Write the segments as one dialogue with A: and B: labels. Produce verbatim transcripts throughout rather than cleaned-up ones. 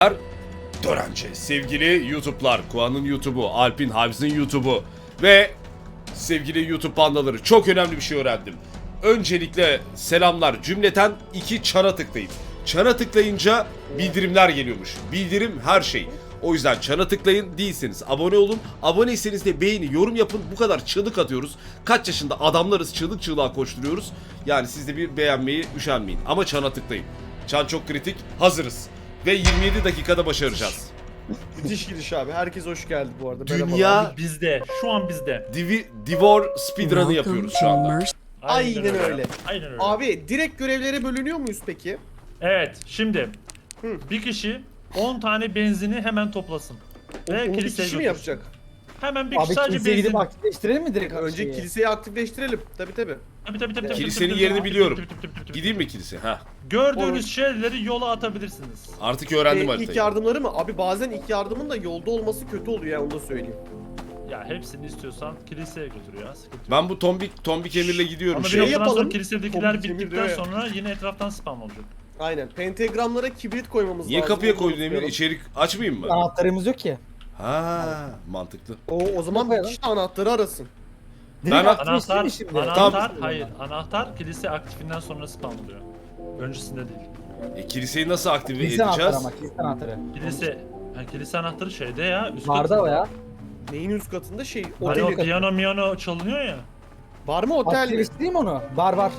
A: Dörence, sevgili YouTube'lar, Kuan'ın YouTube'u, Alp'in, Havz'ın YouTube'u ve sevgili YouTube pandaları, çok önemli bir şey öğrendim. Öncelikle selamlar cümleten iki çana tıklayın. Çana tıklayınca bildirimler geliyormuş. Bildirim her şey. O yüzden çana tıklayın, değilseniz abone olun. Aboneyseniz de beğeni, yorum yapın. Bu kadar çığlık atıyoruz. Kaç yaşında adamlarız, çığlık çığlığa koşturuyoruz. Yani siz de bir beğenmeyi üşenmeyin. Ama çana tıklayın. Çan çok kritik. Hazırız. Ve yirmi yedi dakikada başaracağız.
B: Müthiş giriş abi. Herkes hoş geldi bu arada.
A: Dünya
B: Merhabalar.
C: Bizde. Şu an bizde.
A: Divi, Divor speedrun'ı yapıyoruz şu anda.
B: Aynen öyle.
C: Aynen öyle.
B: Abi direkt görevlere bölünüyor muyuz peki?
C: Evet. Şimdi
B: Hı.
C: bir kişi on tane benzini hemen toplasın.
B: O,
C: Ve
B: onu bir
C: kiliseye
B: kişi mi
C: götürsün.
B: yapacak?
C: Hemen bir kişi
D: Abi
C: sadece
D: kiliseye
C: benzin.
D: gidip aktifleştirelim mi direkt?
B: Önce
D: şeyi?
B: kiliseyi aktifleştirelim. Tabi tabi.
C: Tabii tabii tabii. tabii,
A: Kilisenin
C: tabii,
A: yerini
C: tabii,
A: biliyorum.
C: tabii, tabii, tabii, tabii.
A: Gideyim mi kilise? Ha.
C: Gördüğünüz
B: Olur.
C: şeyleri yola atabilirsiniz.
A: Artık öğrendim
B: Ee,
A: haritayı.
B: ilk yardımları mı? Abi bazen ilk yardımın da yolda olması kötü oluyor ya, onu da söyleyeyim.
C: Ya hepsini istiyorsan kiliseye götür ya. Sıkıntı yok.
A: Ben bu tombik tombik emirle gidiyorum.
C: Ama bir
B: şey
A: Şey,
C: noktadan sonra
B: yapalım.
C: kilisedekiler
B: Komik emir
C: bittikten
B: diyor ya.
C: sonra yine etraftan spam olacak.
B: Aynen. Pentagramlara kibrit koymamız
A: niye
B: lazım.
A: kapıya
B: onu
A: koydun Emir?
B: unutmayalım.
A: İçerik açmayayım mı?
D: Anahtarımız yok ki.
A: Ha, mantıklı.
B: O, o zaman bir
D: Koyalım.
B: kişi anahtarı arasın.
D: Direkt
A: Ben-
D: aktifleşti
C: Anahtar,
D: mi şimdi?
C: anahtar,
A: Tamam.
C: hayır. Anahtar kilise aktifinden sonra spam oluyor. Öncesinde değil.
A: E, kiliseyi nasıl aktive
D: Kilise anahtarı
A: edeceğiz?
D: ama kilise anahtarı.
C: Kilise, ha, kilise anahtarı şeyde ya, üst
D: Barda
C: katında.
D: o ya.
B: Neyin üst katında şey,
C: Hani
B: otel.
C: o piyano miyano çalınıyor ya.
B: Var mı otel mi?
D: Aktifleştireyim onu. Bar var.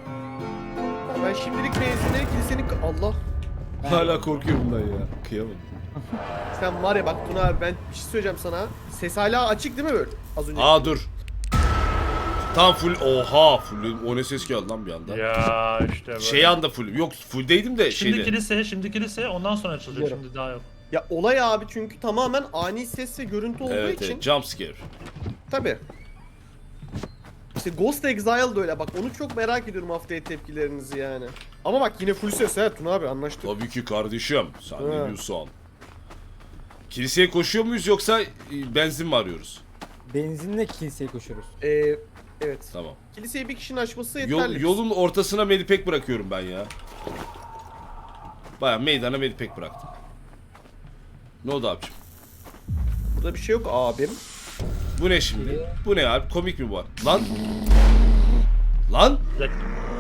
B: Ben şimdilik benzinleri kilisenin... Allah.
A: Hala korkuyorum bundan ya. Kıyamam.
B: Sen var ya bak Tuna abi, ben bir şey söyleyeceğim sana. Ses hala açık değil mi böyle? Az önce.
A: Aa dur. Tam full. Oha full. O ne ses geldi lan bir anda.
C: Ya işte böyle.
A: Şey anda full. Yok fulldeydim de
C: Şimdi
A: şeyde.
C: kilise, şimdi kilise ondan sonra açılacak,
B: Biliyorum.
C: şimdi daha yok.
B: Ya olay abi çünkü tamamen ani ses ve görüntü olduğu
A: Evet
B: için.
A: evet. Jump scare.
B: Tabi. İşte Ghost Exile de öyle bak, onu çok merak ediyorum haftaya tepkilerinizi yani. Ama bak yine full ses ha Tuna abi, anlaştık.
A: Tabii ki kardeşim. Sen ne
B: Ha.
A: diyorsun? Kiliseye koşuyor muyuz yoksa e, benzin mi arıyoruz?
D: Benzinle kiliseye koşuyoruz.
B: Ee, evet.
A: Tamam.
B: Kiliseyi bir kişinin açması
A: Yol,
B: yeterli.
A: yolun ortasına medipek bırakıyorum ben ya. Baya meydana medipek bıraktım. Ne oldu abicim?
B: Burada bir şey yok abim.
A: Bu ne şimdi? Bu ne abi? Komik mi bu? Lan! Lan!
C: Yak-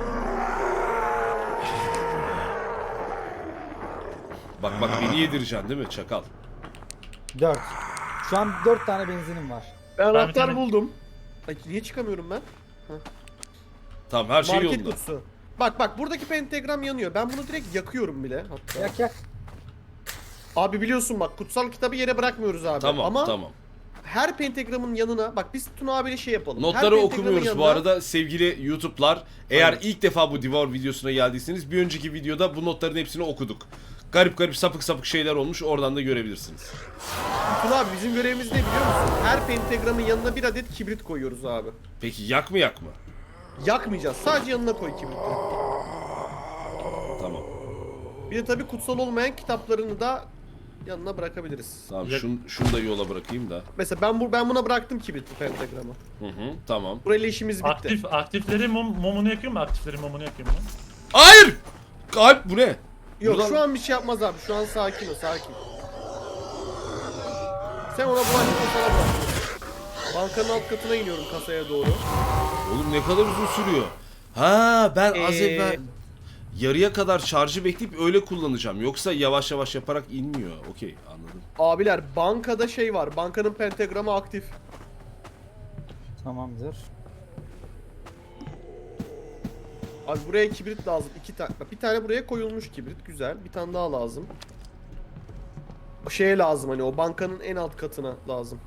A: Bak bak beni yedireceksin değil mi çakal?
D: Dört. Şu an dört tane benzinim var.
B: Ben
C: bir
B: anahtar
C: tane-
B: buldum. Ay, niye çıkamıyorum ben?
A: Tamam her şey
B: Market
A: yolunda.
B: kutusu. Bak bak buradaki pentagram yanıyor. Ben bunu direkt yakıyorum bile hatta.
D: Yak yak.
B: Abi biliyorsun bak, kutsal kitabı yere bırakmıyoruz abi.
A: Tamam
B: Ama
A: tamam.
B: her pentagramın yanına bak, biz Tuna abiyle şey yapalım.
A: Notları
B: Her pentagramın
A: okumuyoruz bu
B: yanına-
A: arada sevgili YouTube'lar. Eğer
B: Evet.
A: ilk defa bu Devour videosuna geldiyseniz bir önceki videoda bu notların hepsini okuduk. Garip garip sapık sapık şeyler olmuş, oradan da görebilirsiniz.
B: Tuna abi bizim görevimiz ne biliyor musun? Her pentagramın yanına bir adet kibrit koyuyoruz abi.
A: Peki yak mı yak mı?
B: Yakmayacağız. Sadece yanına koy kibriti.
A: Tamam.
B: Bir de tabii kutsal olmayan kitaplarını da yanına bırakabiliriz.
A: Tamam
C: Yak-
A: şunu, şunu da yola bırakayım da.
B: Mesela ben bu ben buna bıraktım kibriti pentagramı.
A: Hı hı tamam.
B: Burayla işimiz bitti.
C: Aktif, aktifleri mum, mumunu yakıyor mu? Aktifleri mumunu yakıyor mu?
A: Hayır! Kalp bu ne?
B: Yok
A: Buradan-
B: şu an bir şey yapmaz abi. Şu an sakin ol, sakin. Sen ona bulaşma, sana bırak. Bankanın alt katına iniyorum, kasaya doğru.
A: Oğlum ne kadar uzun sürüyor. Ha ben az
B: Ee,
A: evvel yarıya kadar şarjı bekleyip öyle kullanacağım. Yoksa yavaş yavaş yaparak inmiyor. Okey anladım.
B: Abiler bankada şey var. Bankanın pentagramı aktif.
D: Tamamdır.
B: Abi buraya kibrit lazım. İki tane. Bir tane buraya koyulmuş kibrit. Güzel. Bir tane daha lazım. O şeye lazım, hani o bankanın en alt katına lazım.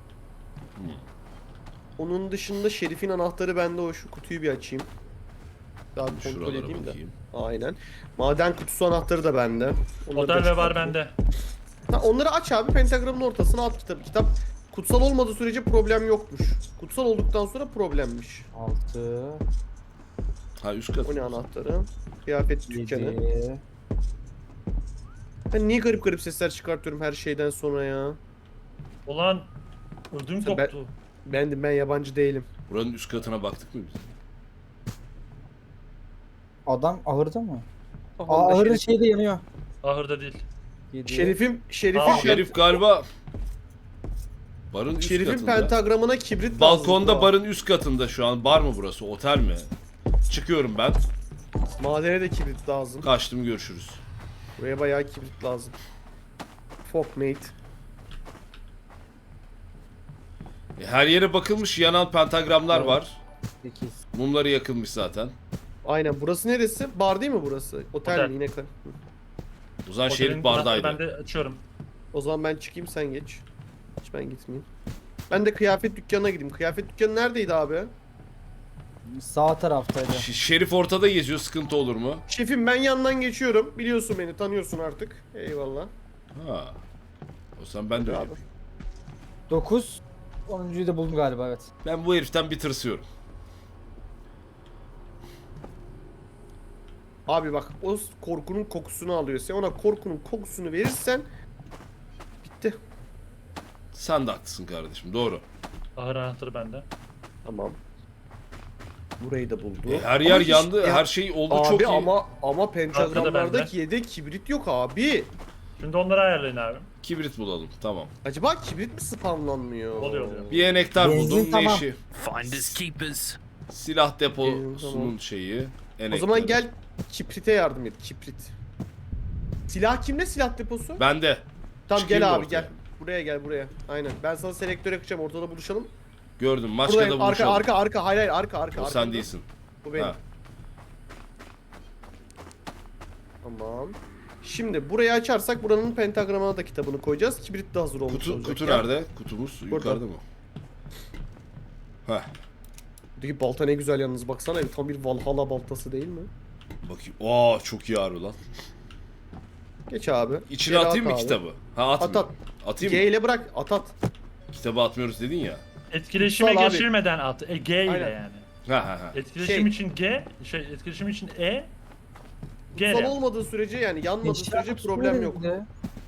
B: Onun dışında Şerif'in anahtarı bende, o şu kutuyu bir açayım. Daha bir kontrol
A: Şuralara
B: edeyim de.
A: bakayım.
B: Aynen. Maden kutusu anahtarı da bende. Onları da
C: Otel ve var
B: çıkartayım.
C: bende.
B: Ha, onları aç abi, pentagramın ortasına at kitabı. Kitap kutsal olmadığı sürece problem yokmuş. Kutsal olduktan sonra problemmiş.
D: Altı.
A: Ha üst kat.
B: O ne anahtarı? Kıyafet dükkanı.
D: Yedi.
B: Ben niye garip garip sesler çıkartıyorum her şeyden sonra ya?
C: Ulan ödüm
B: Ben-
C: koptu.
B: Bendim, ben yabancı değilim.
A: Buranın üst katına baktık mı biz?
D: Adam ahırda mı?
B: Aha,
D: Aa,
B: onda
D: ahırın
B: Şerif-
D: şeyi de yanıyor.
C: Ahırda değil.
D: yedi.
B: Şerif'in Şerif'in
C: Aa,
A: Şerif galiba barın üst
B: Şerif'in
A: katında.
B: pentagramına kibrit lazım.
A: Balkonda
B: Aa.
A: barın üst katında şu an. Bar mı burası? Otel mi? Çıkıyorum ben.
B: Madene de kibrit lazım.
A: Kaçtım, görüşürüz.
B: Buraya bayağı kibrit lazım. Fuck mate.
A: E, her yere bakılmış, yanan pentagramlar
B: Evet.
A: var.
D: sekiz.
A: Mumları yakılmış zaten.
B: Aynen, burası neresi? Bar değil mi burası? Otel,
C: Otel.
B: mi yine? kal-
A: O zaman
C: Otelin
A: Şerif
C: anahtarı
A: bardaydı.
C: Ben de açıyorum.
B: O zaman ben çıkayım, sen geç. Hiç ben gitmeyeyim. Ben de kıyafet dükkanına gideyim. Kıyafet dükkanı neredeydi abi?
D: Sağ taraftaydı.
A: Ş- Şerif ortada geziyor, sıkıntı olur mu?
B: Şefim, ben yandan geçiyorum. Biliyorsun beni, tanıyorsun artık. Eyvallah.
A: Ha. O zaman ben de öyle
B: Abi.
A: yapayım.
D: dokuz. onuncuyu da buldum galiba, evet.
A: Ben bu heriften bir tırsıyorum.
B: Abi bak, o korkunun kokusunu alıyor. Sen ona korkunun kokusunu verirsen bitti.
A: Sen de haklısın kardeşim, doğru.
C: Ahır anahtarı bende.
B: Tamam. Burayı da buldu.
A: E, her
B: Ama
A: yer
B: hiç-
A: yandı,
B: ya-
A: her şey oldu,
B: Abi
A: çok iyi.
B: ama ama
C: Arkada
B: pentagramlardaki yedek kibrit yok abi.
C: Şimdi onları ayarlayın abi.
A: Kibrit bulalım, tamam.
B: Acaba kibrit mi spamlanmıyor?
C: Oluyor, oluyor.
A: Bir enektar
D: Benzin
A: buldum, ne
D: tamam.
A: işi?
E: Finders keepers.
A: Silah
B: Benzin
A: deposunun
B: tamam.
A: şeyi.
B: O
A: Enektarı.
B: zaman gel kibrite yardım et, kibrit. Silah kimde, silah deposu?
A: Ben de.
B: Tamam
A: çıkayım
B: gel
A: mı
B: abi
A: ortaya?
B: gel. Buraya gel, buraya. Aynen. Ben sana selektör yakacağım, ortada buluşalım.
A: Gördüm, Maçka'da
B: Buradayım. Arka
A: buluşalım.
B: arka arka, hayır hayır arka arka.
A: O
B: arkamda.
A: sen değilsin.
B: Bu benim.
A: Ha.
B: Tamam. Şimdi burayı açarsak buranın pentagramına da kitabını koyacağız. Kibrit de hazır olmuş
A: Kutu,
B: olacak.
A: kutu
B: Gel.
A: nerede? Kutumuz yukarıda mı? Heh.
B: Buradaki balta ne güzel yalnız, baksana, tam bir Valhalla baltası değil mi?
A: Bakayım. Aa, çok iyi harbi lan.
B: Geç abi.
A: İçine
B: Geri
A: atayım
B: at
A: mı
B: abi.
A: kitabı? Ha,
B: At
A: atmıyorum.
B: at.
A: Atayım
B: G
A: mı?
B: ile bırak, at at.
A: Kitabı atmıyoruz dedin ya.
C: Etkileşime
B: Kutsal abi.
C: geçirmeden at. E, G ile
B: Aynen.
C: yani.
A: Ha ha ha.
C: Etkileşim
B: Şey-
C: için G, şey etkileşim için E. G
B: Sol
C: ile.
B: olmadığı sürece, yani yanmadığı
D: Eşya
B: sürece
D: kutusu
B: problem yok.
D: nerede?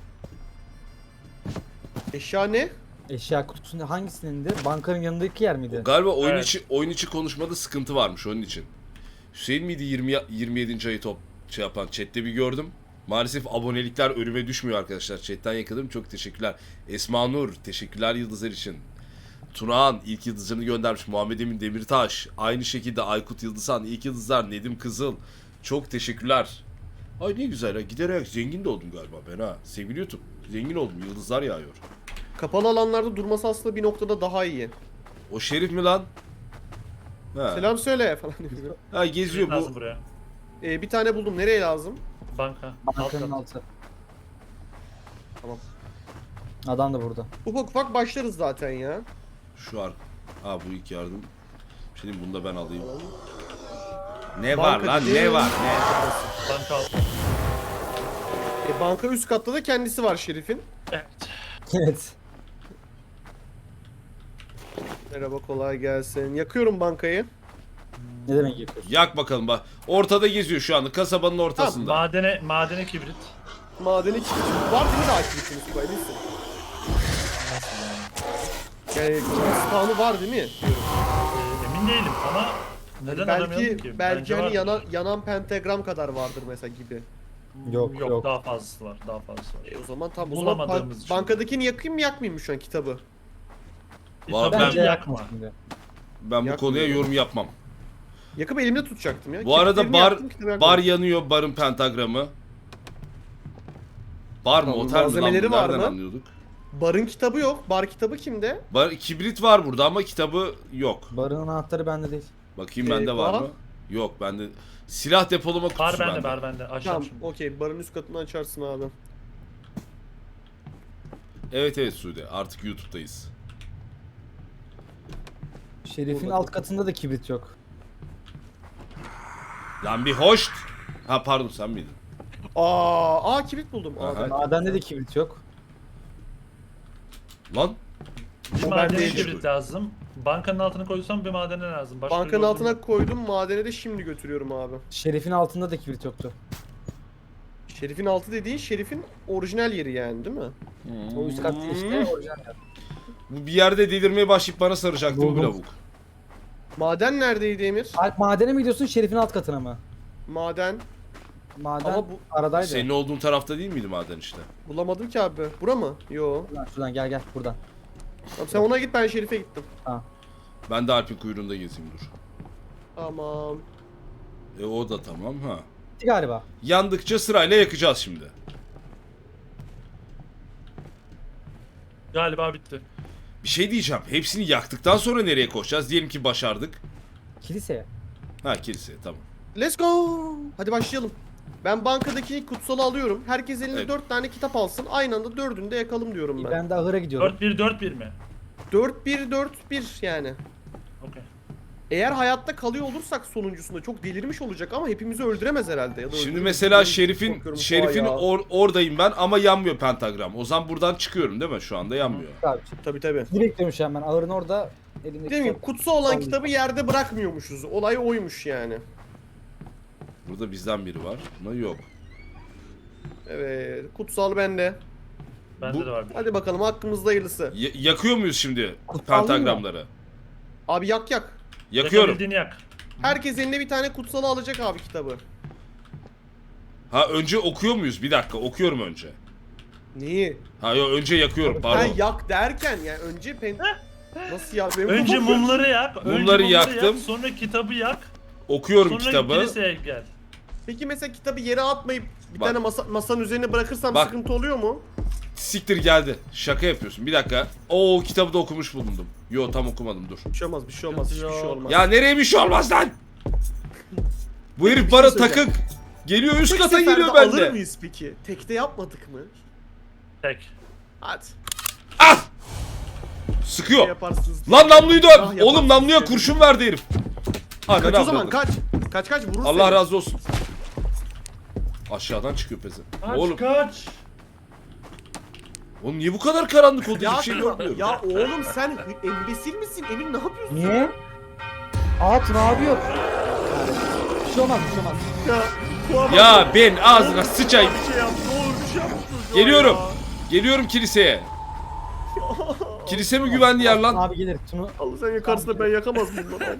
B: Eşya ne?
D: Eşya kutusunda hangisinin de? Bankanın yanındaki yer miydi?
A: Galiba oyun
C: Evet.
A: içi oyun içi konuşmada sıkıntı varmış onun için. Hüseyin miydi yirmi yirmi yedinci ayı top şey yapan, chatte bir gördüm. Maalesef abonelikler önüme düşmüyor arkadaşlar. Chatten yakaladım. Çok teşekkürler. Esma Nur, teşekkürler yıldızlar için. Tunağan ilk yıldızlarını göndermiş. Muhammed Emin Demirtaş. Aynı şekilde Aykut Yıldızhan ilk yıldızlar. Nedim Kızıl. Çok teşekkürler. Ay ne güzel ha. Giderek zengin de oldum galiba ben ha. Sevgili YouTube. Zengin oldum. Yıldızlar yağıyor.
B: Kapalı alanlarda durması aslında bir noktada daha iyi.
A: O Şerif mi lan? Ha.
B: Selam söyle falan diyor.
A: Ha, geziyor bu.
C: Lazım buraya.
B: Ee, bir tane buldum. Nereye lazım?
C: Banka.
D: Bankanın
C: Alt kat.
D: altı.
B: Tamam.
D: Adam da burada.
B: Ufak ufak başlarız zaten ya.
A: Şu ar... Ha, bu ilk yardım. Şimdi bunu da ben alayım. Ne
B: Banka
A: var lan?
B: dediğin-
A: Ne var? Ne?
C: Banka alt.
B: E, banka üst katta da kendisi var Şerif'in.
C: Evet.
D: Evet.
B: Merhaba, kolay gelsin. Yakıyorum bankayı.
D: Ne demek yapıyorsun?
A: Yak bakalım bak. Ortada geziyor şu anda. Kasabanın ortasında.
C: Madene, madene kibrit.
B: Madeni kibrit. Var değil mi daha kibritiniz bu eminsin? Yani kibrit spawn'u var değil mi? Diyorum.
C: Ee, emin değilim ama neden aramıyorum
B: Belki
C: ki?
B: belki
C: Bence
B: hani
C: vardır.
B: yanan, yanan pentagram kadar vardır mesela gibi.
D: Yok
C: Yok,
D: yok.
C: daha fazlası var. Daha fazlası var.
B: E o zaman tam o zaman
C: Bulamadığımız
B: ban-
C: için.
B: bankadakini yakayım mı yakmayayım mı şu an kitabı?
A: Vallahi
C: Kitabı
A: ben-
D: Bence
C: yakma.
D: yakma şimdi.
A: Ben bu
B: Yakmıyorum.
A: konuya yorum yapmam.
B: Yakıp elimde tutacaktım ya.
A: Bu arada
B: Kibritlerini
A: bar
B: yaktım, kitabı yakmadım.
A: bar yanıyor. Barın pentagramı. Bar mı?
B: Tamam,
A: Otel mi lan?
B: malzemeleri
A: bu?
B: var
A: Nereden
B: mı?
A: anlıyorduk?
B: Barın kitabı yok. Bar kitabı kimde?
A: Bar, kibrit var burada ama kitabı yok.
D: Barın anahtarı bende değil.
A: Bakayım bende var
B: Eyvah.
A: mı? Yok bende. Silah depolama kutusu
C: Bar bende,
A: bende.
C: bar bende. Açacağım
B: Tamam,
C: şimdi.
B: okey. Barın üst katını açarsın abi.
A: Evet evet Sude. Artık YouTube'dayız.
D: Şerif'in
B: Burada.
D: alt katında da kibrit yok.
A: Lan bir hoş. Ha pardon, sen miydin?
B: Aa, aa kibrit buldum. Aa,
A: Aha.
B: ben-
D: Madende de kibrit yok.
A: Lan
C: Bir
B: O
C: madene
B: bende
C: kibrit
A: değil.
C: lazım. Bankanın altına koysam bir madene lazım. Başka
B: Bankanın
C: bir
B: altına
C: yolum yok.
B: koydum. Madene de şimdi götürüyorum abi.
D: Şerif'in altında da kibrit yoktu.
B: Şerif'in altı dediğin Şerif'in orijinal yeri yani değil mi?
D: O üst katta işte orijinal yer.
A: bu bir yerde delirmeye başlayıp bana saracaktı bu
D: Buldum.
A: lavuk.
B: Maden neredeydi Emir?
D: Alp madene mi gidiyorsun Şerif'in alt katına mı?
B: Maden.
D: Maden
B: Ama bu-
D: aradaydı.
A: Senin olduğun tarafta değil miydi maden işte?
B: Bulamadım ki abi. Bura mı? Yo.
D: Şuradan, şuradan gel gel buradan.
B: Tamam, sen ona git, ben Şerif'e gittim.
A: Ben de Alp'in kuyruğunda gezeyim dur.
B: Tamam.
A: E o da tamam ha.
D: Bitti galiba.
A: Yandıkça sırayla yakacağız şimdi.
C: Galiba bitti.
A: Bir şey diyeceğim. Hepsini yaktıktan sonra nereye koşacağız? Diyelim ki başardık.
D: Kiliseye.
A: Ha kiliseye tamam.
B: Let's go. Hadi başlayalım. Ben bankadaki kutsalı alıyorum. Herkes elinde
A: Evet.
B: dört tane kitap alsın. Aynı anda dördünü de yakalım diyorum ben.
D: Ben de ahıra gidiyorum.
C: dört bir dört bir mi?
B: dört bir dört bir yani.
C: Okey.
B: Eğer hayatta kalıyor olursak sonuncusunda çok delirmiş olacak ama hepimizi öldüremez herhalde. Ya da
A: Şimdi
B: öldürür.
A: mesela
B: Ben
A: Şerif'in
B: korkuyorum.
A: Şerif'in
B: Aa ya.
A: or- oradayım ben ama yanmıyor pentagram. O zaman buradan çıkıyorum değil mi? Şu anda yanmıyor.
D: Abi,
B: Tabii tabii.
D: sizi bekliyorum şu an ben. Ahırın orada elimdeki
B: Değil mi?
D: kitap-
B: Kutsal olan
D: Aldım.
B: kitabı yerde bırakmıyormuşuz. Olay oymuş yani.
A: Burada bizden biri var. Ama yok.
B: Evet. Kutsal bende.
C: Bende
A: Bu-
C: de var bir.
B: Hadi bakalım, hakkımızda hayırlısı.
A: Y- yakıyor muyuz şimdi
D: Kutsal değil mi?
A: pentagramları?
B: Abi yak yak.
A: Yakıyorum.
C: Yakabildiğini yak.
B: Herkes eline bir tane kutsalı alacak abi kitabı.
A: Ha önce okuyor muyuz? Bir dakika okuyorum önce.
B: Neyi?
A: Ha yo önce yakıyorum
B: Ha
A: pardon.
B: yak derken yani önce pen... Nasıl ya? Benim
C: Önce
B: kafam-
C: mumları yak. önce
A: Mumları yaktım.
C: Yak, sonra kitabı yak.
A: Okuyorum
C: Sonra
A: kitabı.
C: kiliseye gel.
B: Peki mesela kitabı yere atmayıp bir
A: Bak.
B: tane masa, masanın üzerine bırakırsam
A: Bak.
B: sıkıntı oluyor mu?
A: Siktir geldi. Şaka yapıyorsun. Bir dakika. Oo kitabı da okumuş bulundum. Yo tam okumadım dur.
B: Bir şey olmaz, bir şey olmaz, hiçbir şey olmaz.
A: Ya nereye bir şey olmaz lan? Bu herif
B: Bir
A: bana
B: şey söyleyeceğim.
A: takık. Geliyor üst
B: Tek
A: kata
B: seferde
A: geliyor
B: alır
A: bende.
B: mıyız peki? Tekte yapmadık mı?
C: Tek.
B: Hadi.
A: Ah!
B: Ne
A: Sıkıyor.
B: yaparsınız?
A: Lan namluyu
B: Ah,
A: dön.
B: yaparsınız
A: Oğlum namluya
B: diye.
A: kurşun verdi herif. Ananı
B: Kaç o zaman,
A: avradım.
B: kaç. Kaç kaç vurur
A: Allah
B: seni.
A: razı olsun. Aşağıdan çıkıyor peze.
C: Kaç
A: Oğlum,
C: kaç.
A: oğlum niye bu kadar karanlık oldu?
B: Ya,
A: Hiçbir şey görmüyorum.
B: ya oğlum sen embesil misin? Emin ne yapıyorsun?
D: Niye? Altın abi yok. Bir şey olmaz, bir şey olmaz.
B: Ya, bu adam-
A: Ya ben ağzına sıçayım.
B: Bir şey yap, ne olur bir şey yap.
A: Geliyorum.
B: Ya.
A: Geliyorum kiliseye. Kilise mi güvenli yer lan?
D: Abi gelir. Tunu
B: Allah sen yakarsın da ben yakamaz mıyım lan?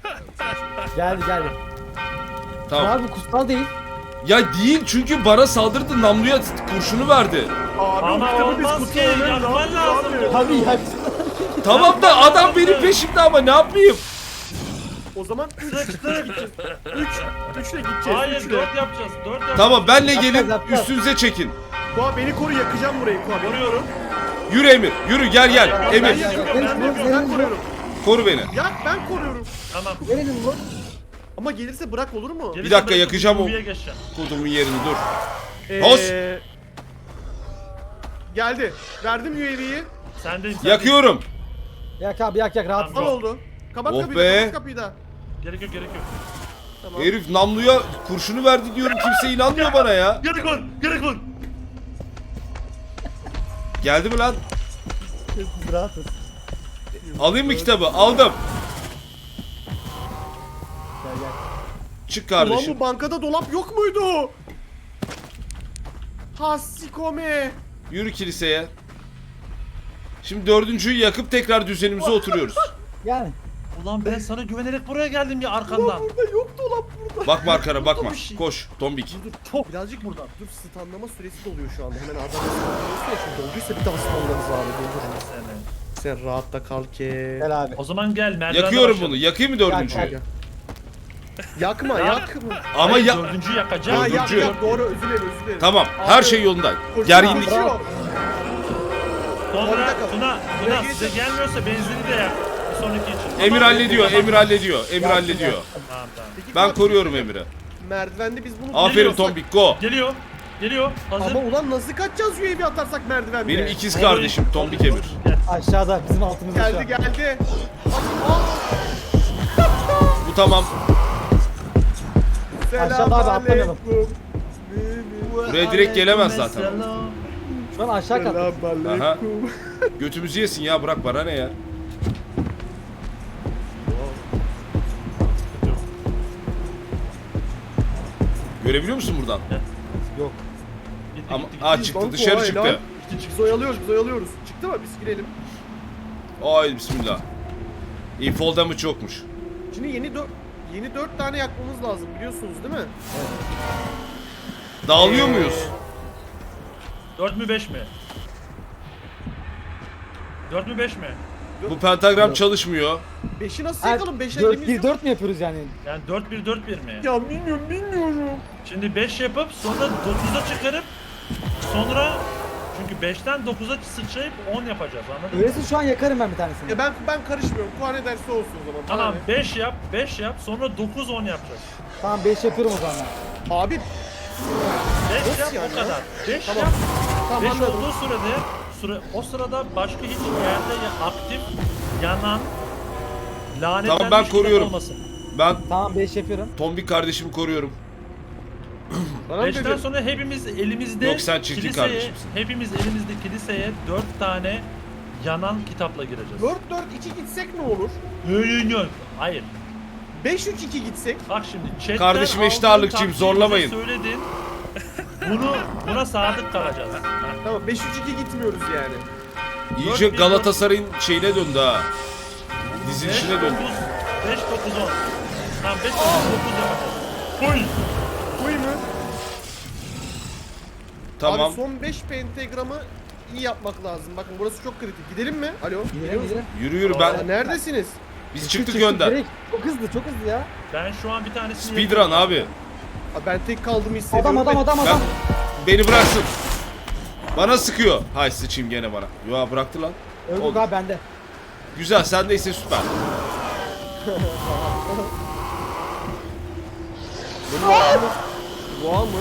D: geldi geldi.
A: Tamam.
D: Abi kutsal değil.
A: Ya değil çünkü bana saldırdı namluya kurşunu verdi.
B: Abi
C: Ama
B: kitabı biz
C: olmaz ki,
B: kutsayamayız,
C: yakman
B: ne yapacağız
C: lazım.
B: abi?
D: Abi yak.
A: Tamam da adam benim peşimde ama ne yapayım?
B: O zaman üç
C: Sıçtı.
B: üç üçle gideceğiz.
C: Hayır
B: üçle.
C: dört yapacağız. dört yapacağız.
A: Tamam benle
D: Yapacağız,
A: gelin
D: yapacağız.
A: üstünüze çekin.
B: Kuğa beni koru, yakacağım burayı Kuğa. Beni
C: Vuruyorum.
A: Yürü Emir yürü gel gel
B: Ben
A: Emir
B: yakıyorum,
D: Benim
B: ben
D: bu,
B: yakıyorum, ben
D: benim bu.
B: koruyorum.
A: koru beni.
B: Yak, ben koruyorum.
C: Tamam.
D: Verelim bu.
B: Ama gelirse bırak, olur mu?
C: Gerisi
A: dakika,
C: bırakıp
A: yakacağım o-
C: Uvi'ye geçeceğim.
A: Kodumun yerini dur.
B: Ee,
A: Hos!
B: Geldi. Verdim U A V'yi.
C: Sendeyim sen.
A: Yakıyorum.
D: Yak abi yak yak rahat.
C: Tamam.
B: Al oldu. Kapat
A: Oh
B: kapıyı
A: be.
B: da, kapat kapıyı da.
C: Gerek yok gerek yok.
B: Tamam.
A: Herif namluya kurşunu verdi diyorum kimse inanmıyor bana ya.
C: Gerek ol. Gerek ol.
A: Geldi mi lan?
D: Biz rahatız.
A: Alayım mı kitabı? Aldım.
D: Gel gel.
A: Çık
B: Ulan
A: kardeşim.
B: bu bankada dolap yok muydu? Hassikome.
A: Yürü kiliseye. Şimdi dördüncüyü yakıp tekrar düzenimize oturuyoruz.
D: Yani.
C: Ulan ben sana güvenerek buraya geldim ya
B: Ulan
C: arkandan.
B: burada yok dolap burada.
A: Bakma arkana bakma. Koş tombik.
B: Dur dur, çok birazcık buradan. Dur, stunlama süresi doluyor şu anda. Hemen adam stunlaması ya, şimdi dolduysa bir daha stunlarız abi. Doldurun.
C: Seni.
B: Sen rahatta kal ki.
D: Gel abi.
C: O zaman gel merdivende
A: Yakıyorum
C: başlayalım.
A: bunu. Yakayım mı
D: Yak,
A: dördüncüyü?
D: yak.
B: Yakma,
C: Ya.
B: yakma.
A: Ama
C: Hayır,
A: ya...
C: dördüncüyü
B: Ha
C: yakacağım.
B: yak
A: Dördüncü.
B: yak, doğru, özür dilerim, özür dilerim.
A: Tamam. Her
B: Abi,
A: şey yolunda.
B: koşun
A: Gerginlik.
B: abi,
D: Bravo.
C: Sonra
B: Orada kal.
C: Tuna,
B: Buraya
C: Tuna size
B: geç.
C: gelmiyorsa benzini de yak. Bir sonraki için.
A: Emir
C: Tamam.
A: hallediyor.
C: Tamam.
A: Emir hallediyor. Emir
D: Yaktım,
A: hallediyor.
D: yaktım.
C: Tamam tamam.
B: Peki,
A: Ben
B: Kuğa,
A: koruyorum Emir'i.
B: merdivende biz bunu
A: Aferin
B: tutuyorsak-
A: tombik go.
C: Geliyor. Geliyor. Hazır.
B: Ama ulan nasıl kaçacağız U A V atarsak merdivende?
A: Benim ikiz kardeşim tombik Emir.
C: Gel.
D: Aşağıda bizim altımızda şu
B: Geldi
D: an.
B: geldi. Aa,
A: Bu tamam.
D: Aşağıda abi, atlamayalım.
B: selamünaleyküm.
A: Buraya direkt gelemez zaten.
C: Selam.
D: Şu an aşağı kalktık.
B: Selamünaleyküm.
A: Götümüzü yesin ya bırak bana ne ya. Görebiliyor musun buradan?
D: Yok.
C: Gitti,
A: Ama
C: gitti,
A: aa
C: gitti.
A: çıktı
B: Lan
A: dışarı
B: kolay
A: çıktı.
B: lan. Biz oyalıyoruz, biz oyalıyoruz. Çıktı mı? Biz girelim.
A: Ay bismillah. İyi fall damage yokmuş.
B: Şimdi yeni dört yeni dört tane yakmamız lazım, biliyorsunuz değil mi?
A: Dağılıyor
B: Ee,
A: muyuz?
C: dört mü beş mi? dört mü beş mi?
A: Bu pentagram çalışmıyor.
B: beşi nasıl
D: Ha,
B: yakalım? beş
D: dört
B: elimiz
D: bir
B: yok.
D: dört mü yapıyoruz yani?
C: Yani dört bir dört bir mi?
B: Ya bilmiyorum bilmiyorum.
C: Şimdi beş yapıp sonra dokuza çıkarıp sonra çünkü beşten dokuza sıçrayıp on yapacağız anladın mı?
D: Öyleyse şu an yakarım ben bir tanesini.
B: Ya ben ben karışmıyorum. Kuan ne derse olsun o zaman.
C: Tamam
B: Bana
C: beş yap beş yap sonra dokuz on yapacağız.
D: Tamam beş yapıyorum o zaman.
B: ne? Abi
C: beş
B: Nasıl
C: yap
B: yani
C: o
B: ya?
C: kadar. beş
B: Tamam.
C: yap.
B: tamam
C: beş
B: anladım.
C: olduğu sürede süre, o sırada başka hiç yerde ya aktif yanan lanetlenmiş
A: Tamam, ben
C: kitap
A: koruyorum.
C: olmasın.
A: Ben
D: Tamam beş yapıyorum.
A: tombik kardeşimi koruyorum.
B: Bana mı
C: beşten
B: dedin?
C: sonra hepimiz elimizde
A: Yok, sen çirkin
C: kiliseye,
A: kardeşimsin.
C: hepimiz elimizde kiliseye dört tane yanan kitapla gireceğiz.
B: dört dört iki gitsek ne olur?
C: Hayır, yok. Hayır.
B: beş üç iki gitsek.
C: Bak şimdi chatten
A: Kardeşim eşit
C: aldığın
A: ağırlıkçıyım,
C: taktiği
A: zorlamayın.
C: bize Söyledin. Bunu buna sadık kalacağız.
B: Tamam beş üç iki gitmiyoruz yani.
A: İyice
C: Dört bir
A: Galatasaray'ın şeyine döndü ha.
C: beş
A: Dizilişine döndü.
C: dokuz beş dokuz on. Tamam beş dokuz yapacağız. Full.
B: Kuy mu?
A: Tamam.
B: Abi son beş pentagramı iyi yapmak lazım. Bakın burası çok kritik. Gidelim mi? Alo.
D: Gidelim gidelim.
A: Yürü yürü
B: Ya
A: ben.
B: neredesiniz?
A: Biz çıktık önden.
D: direkt. Çok hızlı çok hızlı ya.
C: Ben şu an bir tanesini
A: Speedrun abi.
B: Abi ben tek kaldığımı hissediyorum.
D: Adam adam adam
A: Ben
D: adam.
A: beni bıraksın. Bana sıkıyor. Hay sıçayım gene bana. Yo bıraktı lan.
D: Öldük
A: Oldu.
D: abi bende.
A: Güzel sendeyse süper.
B: Boğa mı?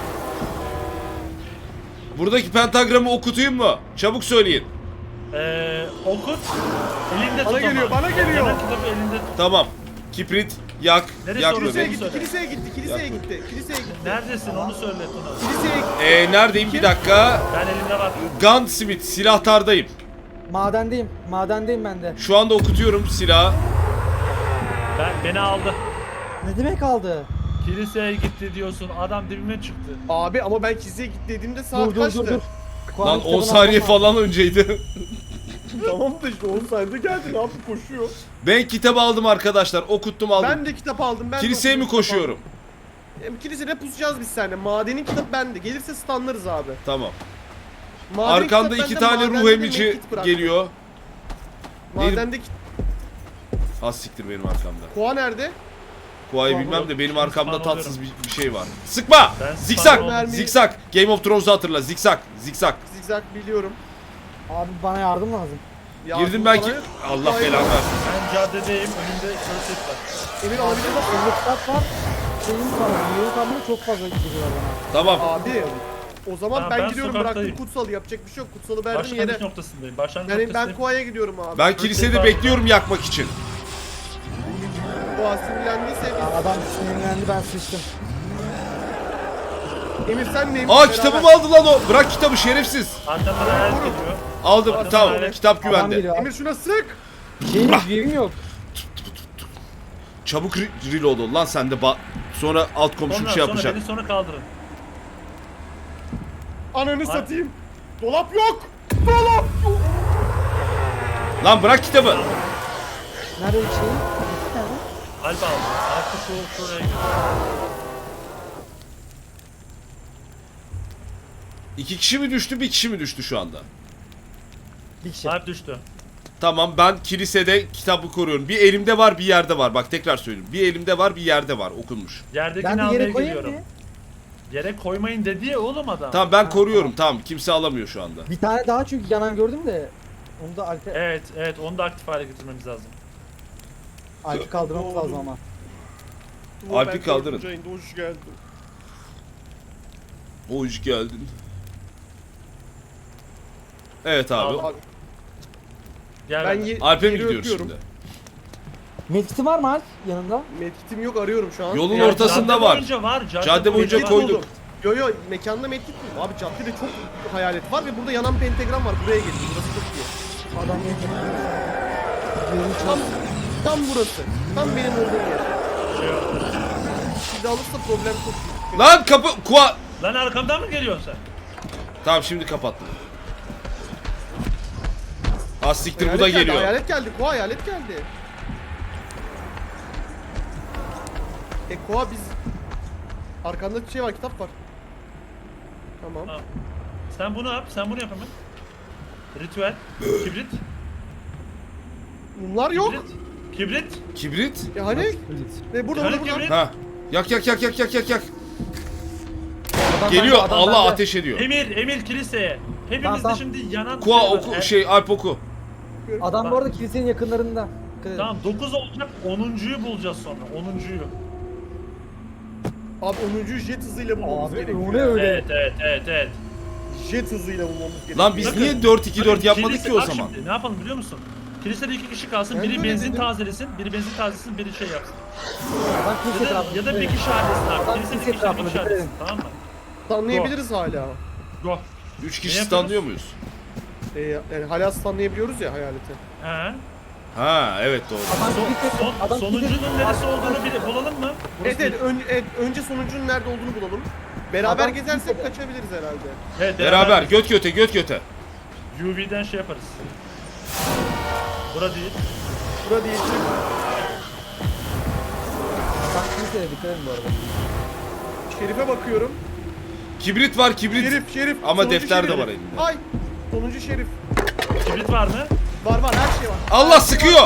A: Buradaki pentagramı okutayım mı? Çabuk söyleyin.
C: Ee, okut. Elinde
B: Bana
C: tut
B: geliyor,
C: ama.
B: bana geliyor.
C: Yanan kitabı elinde tut.
A: Tamam. Kibrit yak.
C: Neresi
A: yak
C: orası?
B: Kiliseye
A: bebeğim.
B: gitti,
C: Söyle.
B: kiliseye gitti, kiliseye gitti, kiliseye gitti.
C: Neredesin onu söyle Tuna.
B: Kiliseye gitti.
A: Ee, neredeyim bir
B: Kim?
A: dakika.
C: Ben elimde var.
A: Gunsmith silahtardayım.
D: Madendeyim. Madendeyim ben de.
A: Şu anda okutuyorum silahı.
C: Ben, beni aldı.
D: Ne demek aldı?
C: Kiliseye gitti diyorsun. Adam dibime çıktı.
B: Abi ama ben kiliseye gitti dediğimde saat
D: Dur dur
B: kaçtı?
D: dur dur. Kuan'ın
A: Lan on
D: kitabını
A: saniye
D: almam lazım.
A: falan önceydi.
B: Tamam da işte on saniyede geldi ne yaptı koşuyor.
A: Ben kitabı aldım arkadaşlar. Okuttum aldım.
B: Ben de kitap aldım. Ben de
A: Kiliseye mi
B: okudum, kitap
A: koşuyorum?
B: aldım. Hem kilisede pusacağız biz seninle. Madenin kitap bende. Gelirse stunlarız abi.
A: Tamam.
B: Maden
A: Arkanda
B: kitap
A: iki
B: bende,
A: tane
B: madende
A: ruh
B: de
A: emici
B: medkit bırak.
A: geliyor.
B: Madende kit...
A: Az siktir benim arkamda.
B: Koa nerede?
A: Kuayı
D: Tamam,
A: bilmem de benim
C: şimdi
A: arkamda
C: spam
A: tatsız bir, bir şey var. Sıkma!
C: Ben
A: Zikzak!
C: spam
B: oldum.
A: Zikzak! Game of Thrones'u hatırla. Zikzak! Zikzak!
B: Zigzag biliyorum.
D: Abi bana yardım lazım.
B: Yardım
A: Girdim ben ki...
B: bana-
A: Allah
B: Hayır.
A: belanı versin.
C: Ben caddedeyim. Önümde kılıç var.
B: Emir alabilir misin?
D: Elli kitap var. Şeyim kalmadı. Yeri kalmadı çok fazla gidiyorlar bana.
A: Tamam.
B: Abi. O zaman
C: Tamam,
B: ben,
C: ben
B: gidiyorum
C: sokaktayım.
B: bıraktım kutsalı yapacak bir şey yok. Kutsalı verdim
C: Başlangıç
B: yere.
C: noktasındayım. Başlangıç
B: Yani ben
C: noktasındayım.
B: Koa'ya gidiyorum abi.
A: Ben kilisede bekliyorum yakmak için.
B: Koa sinirlendiyse
D: Ya adam sinirlendi ben sıçtım.
B: Emir sen neymiş?
A: Aa
B: beraber.
A: kitabımı aldı lan o. Bırak kitabı şerefsiz.
C: Arkamda da el geliyor.
A: Aldım.
C: Adam
A: Tamam.
C: öyle-
A: Kitap
D: Adam
A: güvende.
D: geliyor.
B: Emir şuna sık.
D: Şeyim yok, yerim yok.
A: Çabuk re- reload ol lan sen de ba- sonra alt komşum
C: Sonra,
A: şey
C: sonra
A: yapacak.
C: beni sonra kaldırın.
B: Ananı satayım. Dolap yok. Dolap yok.
A: Lan bırak kitabı.
D: Nerede bir şey? Nerede?
C: Alp aldı. Alp'ı şu şuraya gidiyor.
A: İki kişi mi düştü, bir kişi mi düştü şu anda?
D: Bir kişi.
C: Alp düştü.
A: Tamam ben kilisede kitabı koruyorum. Bir elimde var, bir yerde var. Bak tekrar söyleyeyim. Bir elimde var, bir yerde var okunmuş.
C: Yerdekini
D: Ben de
C: almaya
D: yere koyayım
C: geliyorum.
D: mı?
C: Yere koymayın dedi ya oğlum adam.
A: Tamam ben
D: Ha,
A: koruyorum. Tamam kimse alamıyor şu anda.
D: Bir tane daha çünkü yanan gördüm de. Onu da Alp'e
C: Evet evet onu da aktif hale getirmemiz lazım.
D: Alp'i kaldırmamız lazım ama.
A: Alp'i
B: Ben
A: kaldırın.
B: dördüncü ayında hoş geldin.
A: Hoş geldin. Evet abi.
C: Al.
B: Abi,
C: Gel
B: ben
C: ben
B: ye-
A: Alp'e mi
B: yeri
A: gidiyoruz
B: öpüyorum.
A: şimdi?
D: Medkit'i var mı Alp yanında?
B: Medkit'im yok arıyorum şu an.
A: Yolun
B: Yani
A: ortasında
C: cadde
A: var.
C: boyunca var. Cadde,
A: Cadde boyunca
B: medkit
A: koyduk.
B: buldum. Yo yo mekanda medkit mi? Abi caddede çok hayalet var ve burada yanan pentagram var. Buraya gelin. Burası çok iyi.
D: Adam medkit'i.
B: Tam, tam burası. Tam benim olduğum yer.
C: Şey yok.
B: Sizi alırsa problem çok büyük.
A: Lan kapı kuva.
C: Lan arkamdan mı geliyorsun sen?
A: Tamam şimdi kapattım. Az siktir bu
B: Hayalet
A: da
B: geldi,
A: geliyor.
B: Hayalet geldi. Koa hayalet geldi. E Koa biz... Arkanda bir şey var, kitap var. Tamam.
C: Tamam. Sen bunu yap, sen bunu yap hemen. Ritüel, kibrit,
B: Mumlar yok.
C: kibrit, kibrit.
A: Kibrit?
B: E hani? E burada
C: Hani
B: burada burada.
C: kibrit?
A: Ha. Yak yak yak yak yak yak yak.
D: Adam
A: Geliyor.
D: bende, adam
A: Allah
D: bende.
A: ateş ediyor.
C: Emir, Emir kiliseye. Hepimizde
D: Tamam, tamam.
C: şimdi yanan
A: Kua
C: şey var.
A: oku
C: E,
A: şey Alp oku.
D: Adam bu arada kilisenin yakınlarında. Dikkat edin.
C: Tamam dokuz olacak, onuncuyu bulacağız sonra. onuncuyu.
B: Abi onuncu jet hızıyla bulmamız
D: Abi
B: gerekiyor.
D: o ne öyle?
C: Evet, evet, evet, evet.
B: Jet hızıyla bulmamız gerekiyor.
A: Lan biz
C: Bakın,
A: niye dört iki dört
C: Bakın,
A: yapmadık
C: kilise-
A: ki o
C: bak
A: zaman?
C: Şimdi, ne yapalım biliyor musun? Kilisede iki kişi kalsın,
B: Ben
C: biri
B: de öyle
C: benzin
B: dedim.
C: tazelesin, biri benzin tazelesin, biri şey yapsın.
D: Adam kilise
C: Ya da,
D: etrafında.
C: ya da bir
D: dikkat edin.
C: kişi halletsin abi.
D: Adam
C: Kilisede
D: kilise
C: bir kişi, bir
D: etrafında,
C: kişi
D: dikkat
C: halletsin.
D: edin.
C: Tamam mı?
B: Stunlayabiliriz hala.
C: Go.
A: Üç
C: Ne
A: kişi
C: yapıyoruz?
A: standlıyor muyuz?
B: E, yani hala stunlayabiliyoruz ya hayaleti.
C: He.
A: Ha evet doğru.
D: Adam
C: Son,
D: kilise,
C: son,
D: adam
C: sonuncunun
D: kilise-
C: neresi olduğunu bile bulalım mı? Burası
B: Evet, evet,
C: değil.
B: ön- evet, önce sonuncunun nerede olduğunu bulalım. Beraber
D: Adam
B: gezersek
D: kimse de-
B: kaçabiliriz herhalde.
C: Evet,
A: Beraber göt göte göt göte.
C: U V'den şey yaparız. Bura değil.
B: Bura değil.
D: Adam kiliseye dikkat edin bu arada.
B: Şerif'e bakıyorum.
A: Kibrit var kibrit.
B: Şerif, Şerif.
A: Ama
B: Sonuncu
A: defter de
B: Şerif.
A: var elinde.
B: Ay, sonuncu Şerif.
C: Kibrit var mı?
B: Var var, her şey var.
A: Allah sıkıyor.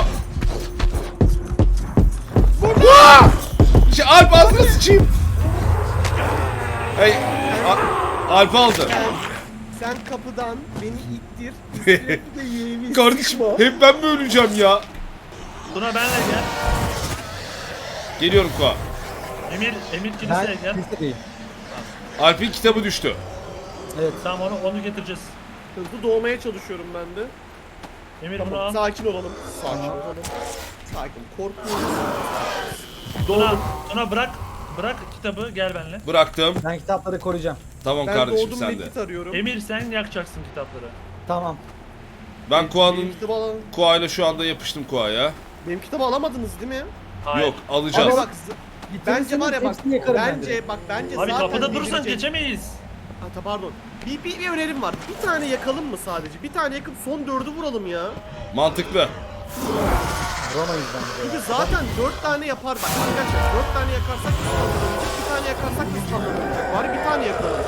A: Vaa! Şey, Alp ağzına sıçayım. Hey, A- Alp aldı.
B: Sen kapıdan beni ittir. Üstüne bir de yeğeni
A: Kardeşim
B: sıkma.
A: hep ben mi öleceğim ya?
C: Tuna benle gel.
A: Geliyorum Kua.
C: Emir, Emir kiliseye
D: Ben
C: gel.
D: kilisedeyim.
A: Alp'in kitabı düştü.
D: Evet.
C: Tamam onu, onu getireceğiz.
B: Hızlı doğmaya çalışıyorum ben de.
C: Emir bunu
B: Tamam,
C: al.
B: sakin olalım. Sakin olalım. Sakin. Korkmuyoruz.
C: Tuna, Tuna bırak. Bırak kitabı gel benle.
A: Bıraktım.
D: Ben kitapları koruyacağım.
A: Tamam
B: Ben
A: kardeşim
B: doğdum
A: sen de.
B: medkit arıyorum.
C: Emir sen yakacaksın kitapları.
D: Tamam.
A: Ben
B: Benim
A: Kua'nın
B: kitabı alan...
A: Kua'yla şu anda yapıştım Kua'ya.
B: Benim kitabı alamadınız değil mi?
C: Hayır.
A: Yok alacağız.
B: Ama bak, z- bence var ya bak,
D: Hepsini yakarım ben direkt.
B: bence bak bence
C: Abi
B: zaten
C: kapıda durursan
B: delirecek.
C: geçemeyiz.
B: Ha, ta- pardon. Bir, bir, bir önerim var. Bir tane yakalım mı sadece? Bir tane yakıp son dördü vuralım ya.
A: Mantıklı.
D: Vuramayız bence.
B: Çünkü zaten dört tane yapar bak arkadaşlar. Dört tane yakarsak biz kaldırılmayacak. Bir tane yakarsak biz kaldırılmayacak. Bari bir tane yakalım.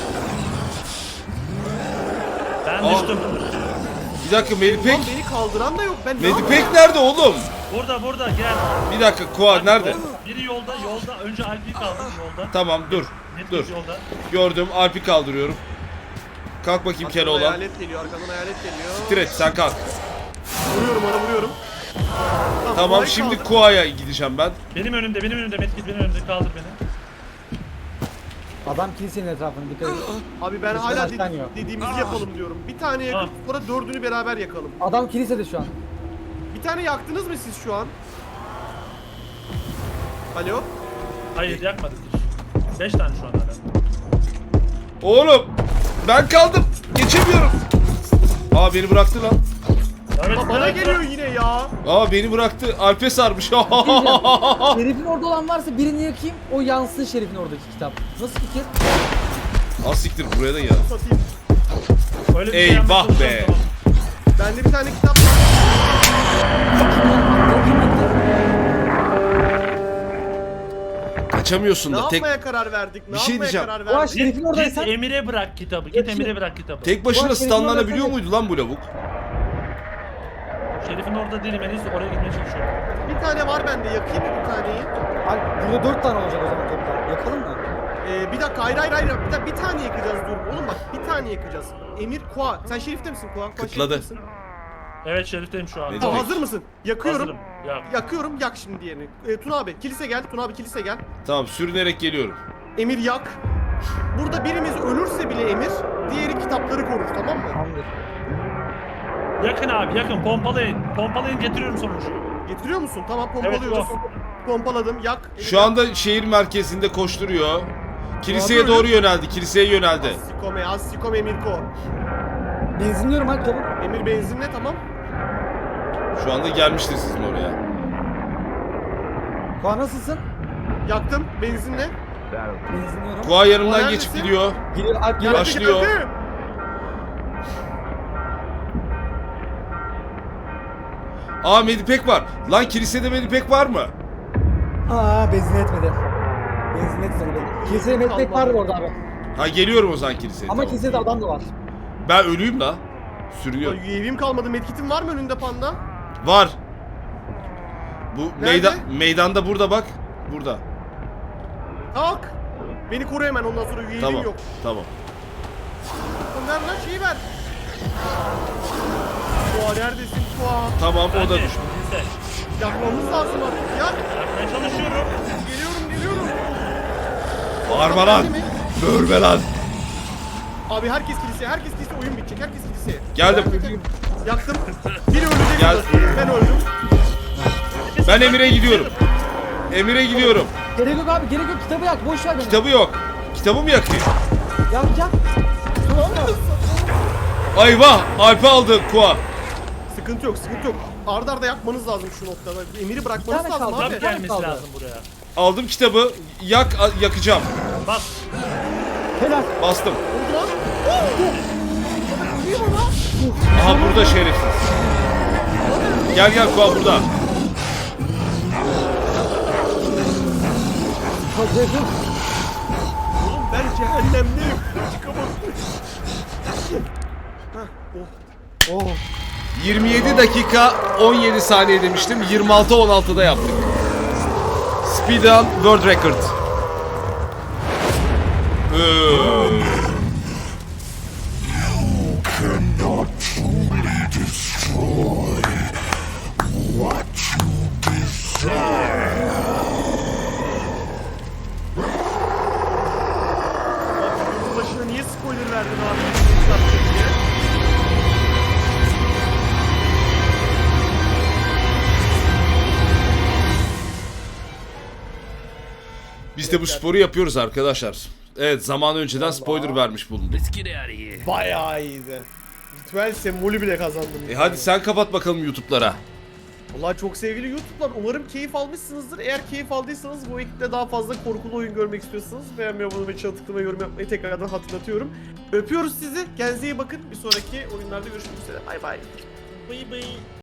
C: Ben
A: Aa.
C: düştüm.
A: Bir dakika Melipek.
B: Ulan beni kaldıran da yok. Ben ne yapayım?
A: Melipek nerede oğlum?
C: Burada burada gel.
A: Bir dakika Kua nerede?
C: Yol- Biri yolda yolda. Önce Alp'i kaldır yolda.
A: Tamam dur.
C: Net
A: Dur.
C: yolda.
A: Gördüm Alp'i kaldırıyorum. Kalk bakayım
B: Arkadan
A: Keloğlan.
B: hayalet geliyor. Arkadan hayalet geliyor.
A: Direkt sen kalk.
B: Vuruyorum ona vuruyorum.
A: Tamam
B: kolay
A: şimdi
B: kaldı.
A: Kua'ya gideceğim ben.
C: Benim önümde benim önümde Metkit benim önümde kaldır beni.
D: Adam kilisenin etrafında dikkat edin.
B: Abi ben
D: Kılıçlar
B: hala
D: açtan
B: de-
D: yok.
B: dediğimizi yapalım diyorum. Bir tane yakıp
C: Ah.
B: sonra dördünü beraber yakalım.
D: Adam kilisede şu an.
B: Bir tane yaktınız mı siz şu an? Alo?
C: Hayır yakmadık hiç. Beş tane şu an hala.
A: Oğlum ben kaldım. Geçemiyorum. Aa beni bıraktı lan.
C: Evet,
B: Aa, bana
C: evet,
B: geliyor yine ya.
A: Aa beni bıraktı. Alp'e sarmış.
D: Şerif'in orada olan varsa birini yakayım, o yansın Şerif'in oradaki kitap. Nasıl fikir?
A: Az siktir buraya da gel.
B: Satayım.
C: Öyle bir
A: Eyvah
C: yapmaya çalışacağım,
A: be.
C: tamam.
B: Bende bir tane kitap var.
A: Kaçamıyorsun
B: Ne
A: da tek
B: yapmaya karar verdik? Ne
A: Bir şey
B: yapmaya
A: diyeceğim.
B: karar
D: Ulan
B: verdik?
D: Şerif'in
C: Git,
D: oradaysan
C: git Emir'e bırak kitabı. Git
D: Yakışır.
C: Emir'e bırak kitabı.
A: tek başına
D: Ulan senin
A: stunlanabiliyor
D: orada-
A: muydu lan bu lavuk?
C: Şerif'in orada değilim. En iyisi oraya gitmeye çalışıyorum.
B: Bir tane var bende. Yakayım mı bir taneyi?
D: Alp, burada dört tane olacak o zaman toplam. Yakalım mı?
B: Ee, bir dakika hayır hayır hayır. Bir, dakika, bir tane yakacağız dur. Oğlum bak bir tane yakacağız. Emir Kua. Sen Şerif'te misin Kua? Kua
A: Kıtladı.
B: Şerif'te misin?
C: Evet Şerif'teyim şu an.
A: Ne
B: Tamam,
A: demek?
B: hazır mısın? Yakıyorum.
C: Hazırım. Ya.
B: Yakıyorum yak şimdi diğerini. Ee, Tuna abi kilise gel. Tuna abi kilise gel.
A: Tamam sürünerek geliyorum.
B: Emir yak. Burada birimiz ölürse bile Emir, diğeri kitapları korur tamam mı?
D: Tamamdır.
C: Yakın abi yakın. Pompalayın. Pompalayın getiriyorum sonuncuyu.
B: Getiriyor musun? Tamam
C: Evet
B: pompalıyoruz. Pompaladım yak. Emir
A: Şu
B: yak.
A: anda şehir merkezinde koşturuyor. Kiliseye
B: Abi,
A: doğru yöneldi. Kiliseye yöneldi.
B: Sikome, az sikome Emirko.
D: Benzinliyorum Alp çabuk.
B: Emir benzinle tamam.
A: Şu anda gelmiştir sizin oraya.
D: Kuan nasılsın?
B: Yaktım benzinle.
D: Benzinliyorum.
A: Kua yanımdan
B: Neredesin?
A: geçip gidiyor.
D: Geliyor Alp geliyor.
B: Geldi,
A: Başlıyor.
B: geldi.
A: Aa Medipek var. Lan kilisede Medipek var mı?
D: Aa benzin etmedi. Benzin etmedi benim. Kiliseye metmek
B: Allah.
D: vardı orada abi.
A: Ha geliyorum o zaman kiliseye.
D: Ama
A: tamam.
D: kilisede adam da var.
A: Ben ölüyüm la.
B: Ya
A: Sürüyor.
B: U A V'm kalmadı. Medkit'in var mı önünde panda?
A: Var. Bu
B: Nerede?
A: meydan meydanda burada bak. Burada.
B: Kalk. Beni koru hemen ondan sonra U A V'm
A: Tamam.
B: yok.
A: Tamam.
B: Lan ver lan şeyi ver. Fuar neredesin Fuar?
A: Tamam o da
C: Hadi,
A: düştü.
C: bizde.
B: Yakmamız lazım artık ya.
C: Yapmaya çalışıyorum.
B: Geliyorum geliyorum.
A: Bağırma lan. Böğürme lan.
B: Abi herkes kiliseye, herkes kiliseye, oyun bitecek, herkes kiliseye.
A: Geldim.
B: Yaktım. Biri ölecek.
A: Gel.
B: burada. Ben öldüm.
A: Ben Emir'e gidiyorum. Emir'e gidiyorum.
D: Gerek yok abi gerek yok kitabı yak boş ver beni.
A: Kitabı yok. Kitabı mı yakayım?
D: Yak yak.
A: Ayvah. Alp'i aldı Kua.
B: Sıkıntı yok, sıkıntı yok. Arda arda yakmanız lazım şu noktada. Emir'i bırakmanız
D: Bir tane
B: lazım
D: kaldı.
B: abi.
C: Kitap gelmesi
D: kaldı.
C: lazım buraya.
A: Aldım kitabı. Yak a- yakacağım.
C: Bas.
D: Helal.
A: Bastım.
B: Oldu lan. Ölüyor mu lan?
A: Aha burada şerefsiz. Gel gel Kua burada.
D: Hazırım.
B: Oğlum ben cehennemdeyim. Çıkamadım. Hah, oh.
D: Oh.
A: yirmi yedi dakika on yedi saniye demiştim. yirmi altı on altıda yaptık. Speedrun World Record. Ee,
B: Bunun başına niye spoiler verdin abi? Satacak diye.
A: Biz de bu sporu yapıyoruz arkadaşlar. Evet, zaman önceden spoiler vermiş bulunduk.
E: Let's get out of here.
B: Bayağı iyiydi. Ritüel sembolü bile kazandım.
A: E hadi sen kapat bakalım YouTube'lara.
B: Vallahi çok sevgili YouTube'lar, umarım keyif almışsınızdır. Eğer keyif aldıysanız bu ekiple daha fazla korkulu oyun görmek istiyorsanız beğenmeyi, abone olmayı, çana tıklamayı, yorum yapmayı tekrardan hatırlatıyorum. Öpüyoruz sizi. Kendinize iyi bakın. Bir sonraki oyunlarda görüşmek üzere. Bay bay.
C: Bıy bıy.